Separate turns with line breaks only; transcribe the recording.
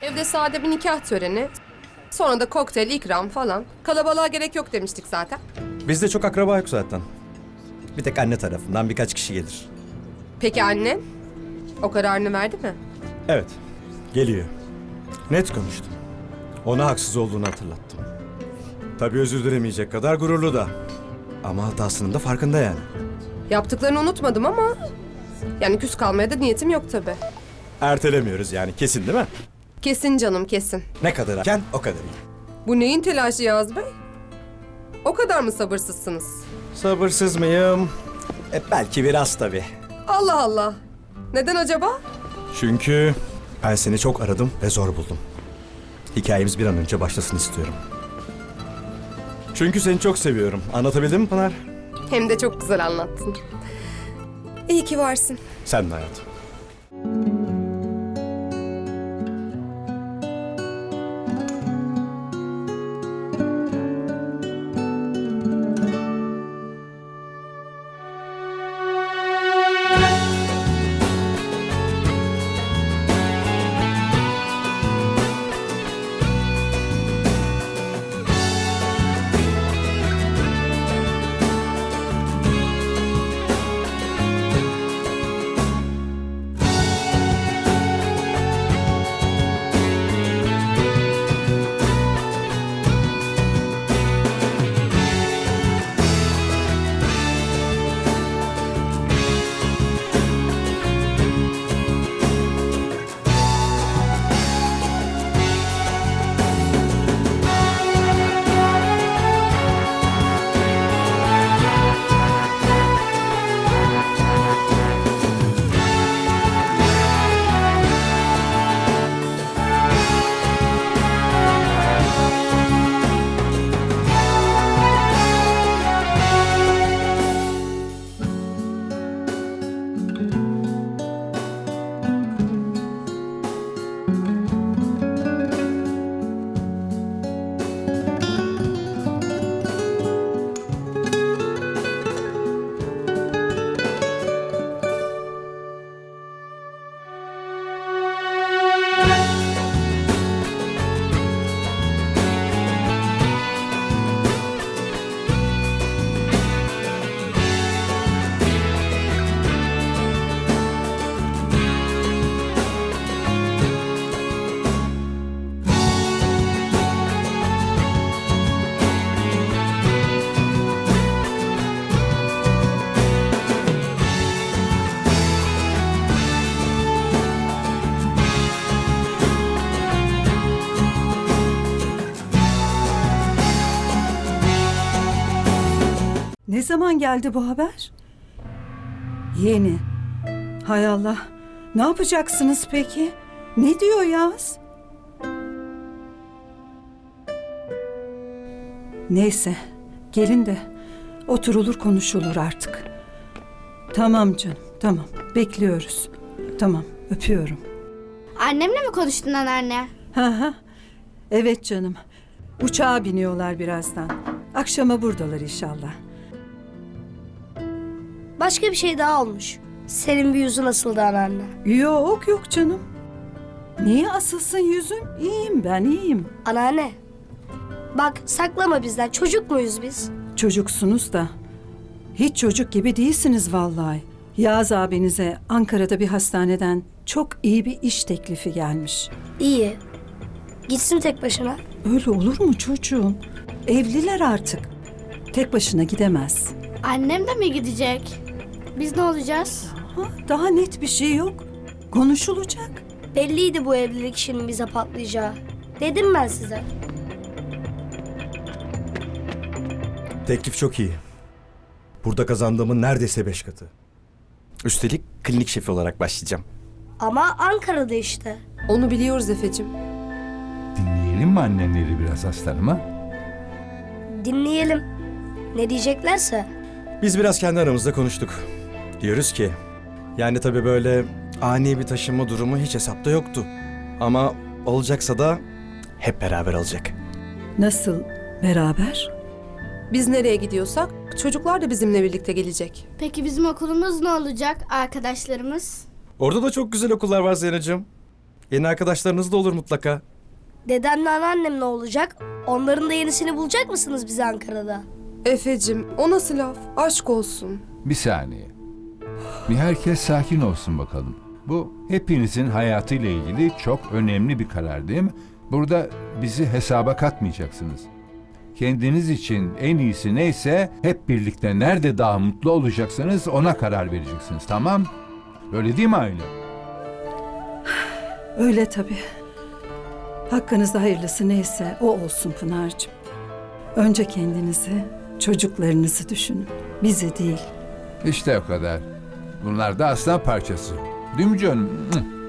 Evde sade bir nikah töreni. Sonra da kokteyl, ikram falan. Kalabalığa gerek yok demiştik zaten.
Bizde çok akraba yok zaten. Bir tek anne tarafından birkaç kişi gelir.
Peki anne? O kararını verdi mi?
Evet, geliyor. Net konuştum. Ona haksız olduğunu hatırlattım. Tabii özür dilemeyecek kadar gururlu da. Ama hatasının da farkında yani.
Yaptıklarını unutmadım ama... Yani küs kalmaya da niyetim yok tabii.
Ertelemiyoruz yani, kesin değil mi?
Kesin canım, kesin.
Ne kadar erken o kadar iyi.
Bu neyin telaşı Yaz Bey? O kadar mı sabırsızsınız?
Sabırsız mıyım? Belki biraz tabii.
Allah Allah. Neden acaba?
Çünkü ben seni çok aradım ve zor buldum. Hikayemiz bir an önce başlasın istiyorum. Çünkü seni çok seviyorum. Anlatabildim mi Pınar?
Hem de çok güzel anlattın. İyi ki varsın.
Sen de hayatım.
Ne zaman geldi bu haber? Yeni. Hay Allah. Ne yapacaksınız peki? Ne diyor Yaz? Neyse. Gelin de oturulur konuşulur artık. Tamam canım. Tamam. Bekliyoruz. Tamam. Öpüyorum.
Annemle mi konuştun anneanne?
Ha. Evet canım. Uçağa biniyorlar birazdan. Akşama buradalar inşallah.
Başka bir şey daha olmuş. Senin bir yüzün asıldı anneanne.
Yok canım. Niye asılsın yüzüm? İyiyim ben, iyiyim.
Anneanne. Bak saklama bizden. Çocuk muyuz biz?
Çocuksunuz da hiç çocuk gibi değilsiniz vallahi. Yağız abinize Ankara'da bir hastaneden çok iyi bir iş teklifi gelmiş.
İyi. Gitsin tek başına.
Öyle olur mu çocuğum? Evliler artık. Tek başına gidemez.
Annem de mi gidecek? Biz ne olacağız?
Daha net bir şey yok. Konuşulacak.
Belliydi bu evlilik işinin bize patlayacağı. Dedim ben size.
Teklif çok iyi. Burada kazandığımın neredeyse 5 katı. Üstelik klinik şefi olarak başlayacağım.
Ama Ankara'da işte.
Onu biliyoruz Efe'cim.
Dinleyelim mi annenleri biraz aslanım ha?
Dinleyelim. Ne diyeceklerse.
Biz biraz kendi aramızda konuştuk. Diyoruz ki, yani tabii böyle ani bir taşınma durumu hiç hesapta yoktu. Ama olacaksa da hep beraber olacak.
Nasıl beraber?
Biz nereye gidiyorsak çocuklar da bizimle birlikte gelecek.
Peki bizim okulumuz ne olacak arkadaşlarımız?
Orada da çok güzel okullar var Zeynep'ciğim. Yeni arkadaşlarınız da olur mutlaka.
Dedemle anneannem ne olacak? Onların da yenisini bulacak mısınız bize Ankara'da?
Efecim, o nasıl laf? Aşk olsun.
Bir saniye. Bir herkes sakin olsun bakalım. Bu hepinizin hayatıyla ilgili çok önemli bir karar değil mi? Burada bizi hesaba katmayacaksınız. Kendiniz için en iyisi neyse hep birlikte nerede daha mutlu olacaksınız ona karar vereceksiniz, tamam? Öyle değil mi Aylin?
Öyle tabii. Hakkınızda hayırlısı neyse o olsun Pınar'cığım. Önce kendinizi, çocuklarınızı düşünün. Bizi değil.
İşte o kadar. Bunlar da aslan parçası. Değil mi canım?